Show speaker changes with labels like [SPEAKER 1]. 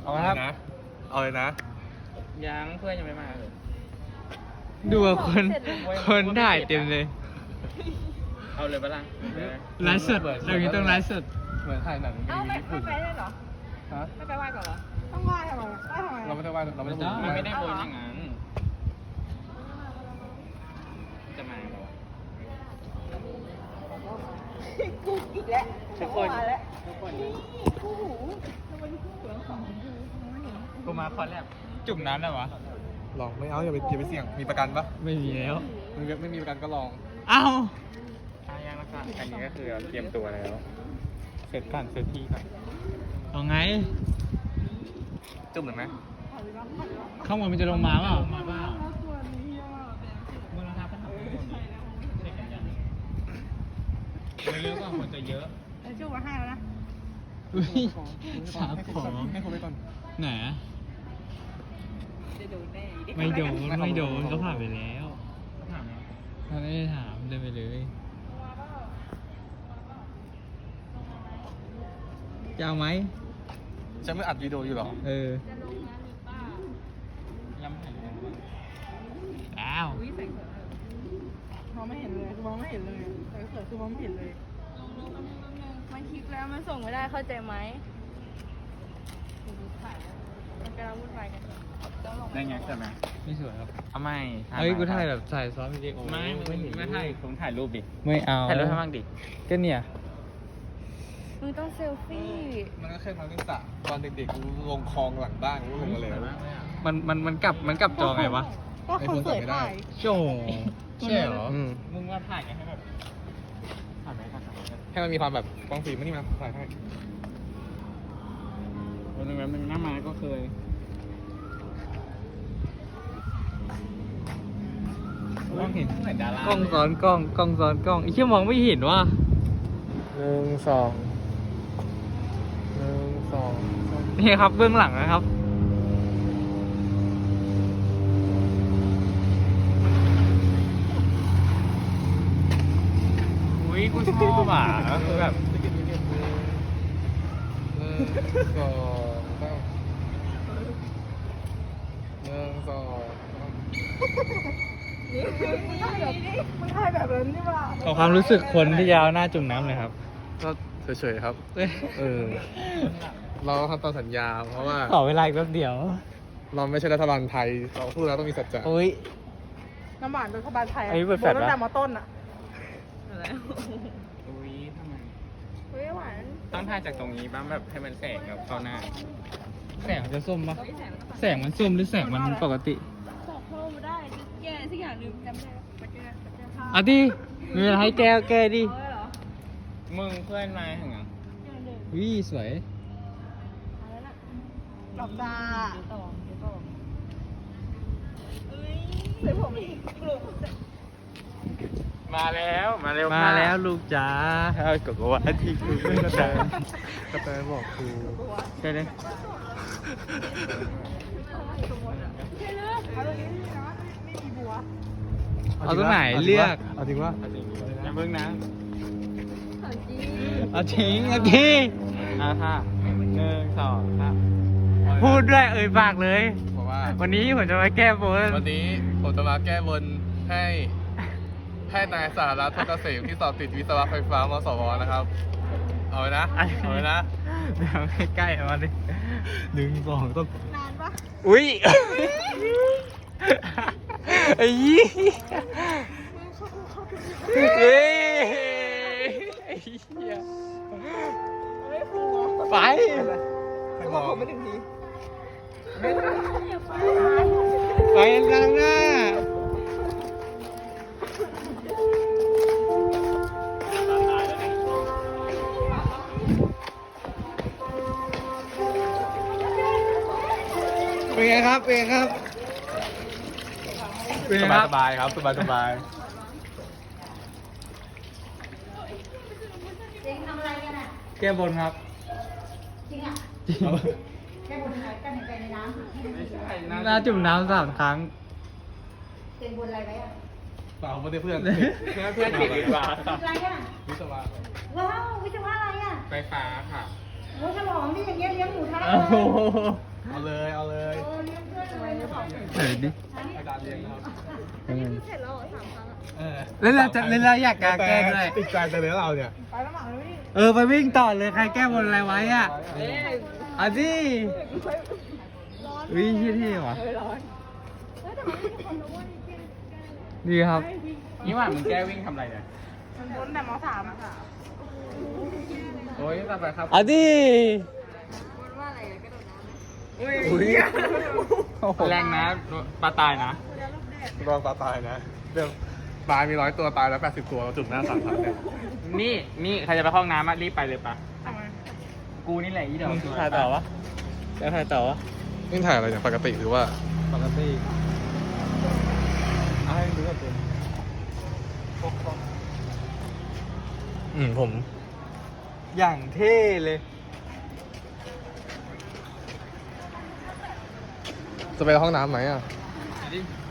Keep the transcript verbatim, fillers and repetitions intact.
[SPEAKER 1] เอาครับนะเอาเลยนะ
[SPEAKER 2] ยังเพื่อนยังไม่มาเลย
[SPEAKER 3] ดูว่าคนคนถ่ายเต็มเลย
[SPEAKER 2] เอาเลยปะล่ะ
[SPEAKER 3] ไลฟ์สดตรงนี้ต้องไลฟ์สด
[SPEAKER 1] เหมือนถ่ายหนัง
[SPEAKER 4] เอ้าไม่ไม่ไปได้เหรอ
[SPEAKER 1] ฮะ
[SPEAKER 4] ไม่ไปไหว้ก่อนเหรอ ต้องไหว้ทำไมไหว้ทำไม
[SPEAKER 1] เราไม่ได้ว่าเราไม่ได้
[SPEAKER 2] มันไม่ได้บนอย่างนั้นจะมาเหรอ
[SPEAKER 4] กูอีกแล้ว
[SPEAKER 2] ทุกคน
[SPEAKER 4] มาแล้ว
[SPEAKER 2] ทุกคน
[SPEAKER 4] คู่หูแล้ววันนี้คู่หูทั้งสองคู่
[SPEAKER 2] กูมาคอนแลบ
[SPEAKER 3] จุ่มน้ำได้วะ
[SPEAKER 1] ลองไม่เอาอย่าไปอย่าไปเสี่ยงมีประกันปะ
[SPEAKER 3] ไม่มีแล้ว
[SPEAKER 1] ไม่ไม่มีประกันก็ลอง
[SPEAKER 3] เอ้า
[SPEAKER 2] อายังนะคะอันนี้ก็คือเตรียมตัวแล้ว เสร็จก่อนเสร็จที่ก่อน
[SPEAKER 3] เอาไง
[SPEAKER 1] จุ่มหรือไหม
[SPEAKER 3] ข้างบนมันจะลงมาเปล่ามาเปล่า
[SPEAKER 4] ตัวนี้อ่ะ
[SPEAKER 3] เมื่อเราทำปัญหาไม่เยอะก็คนจะเยอะ
[SPEAKER 4] แล้วจูบมาให้แล้วนะ
[SPEAKER 3] อุ้ยสามของ
[SPEAKER 1] ให้คนไปก่อน
[SPEAKER 3] ไหน
[SPEAKER 4] จะโดนแน่
[SPEAKER 3] ไม่โดนไม่โดนก็ผ่านไปแล้วเขาไม่ได้ถามเดินไปเลยจะเอาไหม
[SPEAKER 1] จะไม่อัดวิดีโออยู่หรอ
[SPEAKER 3] เอออ้าว
[SPEAKER 4] อุ้ยใส่เขินมองไม่เห็นเลยมองไม่เห็นเลยใส่เขินคือมองไม่เห็นเลยมันคลิปแล้วมันส่งไม่ได้เข้าใจไหมมันกำลังวุ่นวายกัน
[SPEAKER 2] ได้ไงใช่ไหม
[SPEAKER 3] ไม่สวยครับ
[SPEAKER 2] เอาไม่
[SPEAKER 3] เอ้ยกูถ่ายแบบถ่ายซ้อมวิดีโอ
[SPEAKER 2] ไม่ไม่ไม่ถ่ายผมถ่ายรูปดิ
[SPEAKER 3] ไม่เอา
[SPEAKER 2] ถ่ายรูปให้บ้างดิ
[SPEAKER 3] ก็เนี่ย
[SPEAKER 4] มึงต้องเซลฟี่
[SPEAKER 1] มันก็แค่ทางที่สระตอนเด็กๆลงคลองหลังบ้านกูลงมาเลย
[SPEAKER 3] มันมันมันกลับมันกลับจอไงวะ
[SPEAKER 4] ก็คือเสยถ่าย
[SPEAKER 3] โจ้ใช่เหรอ
[SPEAKER 1] อืม
[SPEAKER 2] มึงว่าถ่ายไงให้แบบถ่ายไหมถ่ายไหม
[SPEAKER 1] ให้มันมีความแบบกล้องฟิล์มมันนี่มาถ่ายให้
[SPEAKER 2] วันนึงวันนึงหน้ามาก็เคยมองเห็นเหมือนดาราก
[SPEAKER 3] ล้องซ้อนกล้องกล้องซ้อนกล้องไอ้เชี่ยมองไม่เห็นว่ะ
[SPEAKER 1] หนึ่งสองหนึ่งสอง
[SPEAKER 3] นี่ครับเบื้องหลังนะครับ
[SPEAKER 2] อุ้ยกูชอบอ่ะก็คือแบบ
[SPEAKER 1] หนึ่งสองสามหนึ่งสองสาม
[SPEAKER 4] มันถ่ายแบบนั้นนี่ว่า
[SPEAKER 3] เอาความรู้สึกคนที่ยาวหน้าจุ่มน้ำเลยครับ
[SPEAKER 1] ก็เฉยๆครับ เออ เราทำตามสัญญา เพราะว่า
[SPEAKER 3] ขอเวลาอีกแป๊บเดียว
[SPEAKER 1] เราไม่ใช่รัฐบาลไทย เราพูดแล้วต้องมีสัจจะ
[SPEAKER 3] โอ้ย
[SPEAKER 4] น้ำหวานรัฐบาลไทย
[SPEAKER 3] อันนี้เปิดแฟลชปะ
[SPEAKER 4] ตั้งแต่มอต้นอ่ะ
[SPEAKER 2] อุ้ยทำไม
[SPEAKER 4] เฮ้ยหวาน
[SPEAKER 2] ต้องถ่ายจากตรงนี้บ้างแบบให้มันแสงแบบเข้าหน้า
[SPEAKER 3] แสงมันจะส้มปะแสงมันส้มหรือแสงมันปกติ
[SPEAKER 4] บอกเพิ่มได้แก้สักอย่างหนึ่งจำไม่ได้ปัจจัยปัจจัยภาพ
[SPEAKER 3] อ่ะดิมีเวลาให้แก้แก้ดิ
[SPEAKER 4] เออเหรอ
[SPEAKER 2] มึงเพื่อนมาถึงอ่ะ
[SPEAKER 4] อย่างหนึ่ง
[SPEAKER 3] วิสวย
[SPEAKER 4] อะไรนะหลับตาเดี๋ยวต่อเดี๋ยวต่อเอ้ยใส่ผมอีกกลุ่ม
[SPEAKER 2] มาแล้วมาเร็ว
[SPEAKER 3] มาแล้วลูกจ๋า
[SPEAKER 2] เอากดว่าที่กูไม่กระจาย
[SPEAKER 1] กระแตบอกครู
[SPEAKER 2] ใช่เลย
[SPEAKER 4] ใช่เลยเอาตรงนี้นะไม่มีบัว
[SPEAKER 3] เอาตรงไหนเลือก
[SPEAKER 1] เอาจริงว่า
[SPEAKER 2] อย่าเพิ่งนะ
[SPEAKER 3] เอาทิ้งเอาทิ้ง
[SPEAKER 2] อ่ะค่ะหนึ่งสองสาม
[SPEAKER 3] พูดด้วยเอ่ยปากเลย
[SPEAKER 1] บอกว่า
[SPEAKER 3] วันนี้ผมจะมาแก้บน
[SPEAKER 1] วันนี้ผมจะมาแก้บนให้ให้นายสารัตน์ทองเกษมที่สอบติดวิศวะไฟฟ้ามสวนะครับ เอาไว้นะ เอาไว้นะ
[SPEAKER 3] เดี๋ยวใกล้ๆมาดิหนึ่งสองต้อง
[SPEAKER 4] นานปะ
[SPEAKER 3] อุ้ยไอ้ยี่เฮ้ยไอ้เหี้ย
[SPEAKER 4] เฮ้ยครู
[SPEAKER 3] ไป
[SPEAKER 1] ให้บอก
[SPEAKER 4] ผมไม่ถึงที
[SPEAKER 3] ไปกลางหน้าเป็นไงครับ เป็นไงครับ เป็นไงครับ
[SPEAKER 1] สบายๆครับ สบายสบาย
[SPEAKER 5] เองทำอะไรกันอ่ะ
[SPEAKER 3] แก้บนครับ
[SPEAKER 5] จริงอ่ะ
[SPEAKER 3] จริง
[SPEAKER 5] แค่บนอะไรกันเห็นใจในน้ำ
[SPEAKER 2] ไม่ใช่นะ
[SPEAKER 3] น่าจุ่มน้ำสามครั้ง
[SPEAKER 5] เต็มบนอะไรไว้อ่ะ
[SPEAKER 1] เปล่าไม่ได้เพื่อน
[SPEAKER 2] เพื่อนเพื่อนติดวิศวะ
[SPEAKER 5] อะไรอ่ะ
[SPEAKER 1] วิศวะ
[SPEAKER 5] ว้าววิศวะอะไรอ่ะ
[SPEAKER 2] ไฟฟ้าค่ะ
[SPEAKER 1] ไ
[SPEAKER 5] โอ้ยฉลองนี่อย่างเงี้ยเลี้ยงหมูทะ
[SPEAKER 3] โอ้โห
[SPEAKER 1] เอาเลยเอาเลย
[SPEAKER 5] เออเลี้ยงเพื่อนเลยเลี้ยงของ
[SPEAKER 3] เดี๋ยวดิ
[SPEAKER 1] อาจารย์เลี้ยงครับ
[SPEAKER 4] อันนี้คือเสร็จแล้วเหรอสามครั้งอะ
[SPEAKER 1] เออ
[SPEAKER 3] แล้วเราจะแล้วเราอยากการแกล้งด้วย
[SPEAKER 1] ติดใจแต่เลี้ยงเราเนี่ย
[SPEAKER 4] ไปแล้วหมาเลย
[SPEAKER 3] เออไปวิ่งต่อเลยใครแก้บนอะไรไว้อ่ะเอาดิ
[SPEAKER 4] ร้อน
[SPEAKER 3] วิ่งที่ที่วะ
[SPEAKER 4] เออร้อนเฮ้ยแต่มันไม่มีคนรู้ว่านี่กิน
[SPEAKER 3] ดีครับ
[SPEAKER 2] นี่หว่ามึงแก้วิ่งทำอะไรเนี่ย
[SPEAKER 4] มันพ้นแต่มสามอะค่ะ
[SPEAKER 1] โอ้ยต่อไปครับ
[SPEAKER 3] เอาดิ
[SPEAKER 4] พ้นว่าอะไรอะกระโดดน้ำไหม
[SPEAKER 1] อุ้ย
[SPEAKER 2] แรงนะปลาตายนะ
[SPEAKER 1] รองปลาตายนะเรื่องปลามีร้อยตัวตายแล้วแปดสิบตัวจุ่มหน้าสามพันเนี่ย
[SPEAKER 2] นี่นี่ใครจะไปเข้าห้องน้ำอะรีบไปเลยปะกูนี่แหละอีดอก
[SPEAKER 3] ถ่ายต่อวะจะถ่ายต่อวะ
[SPEAKER 1] นี่ถ่ายอะไรเนี่ยปกติหรือว่า
[SPEAKER 3] ปกติเอาให้ดูก่อนเป็น
[SPEAKER 1] อืมผม
[SPEAKER 3] อย่างเท่เลย
[SPEAKER 1] จะไปห้องน้ำไหมอ่ะ
[SPEAKER 3] ดิ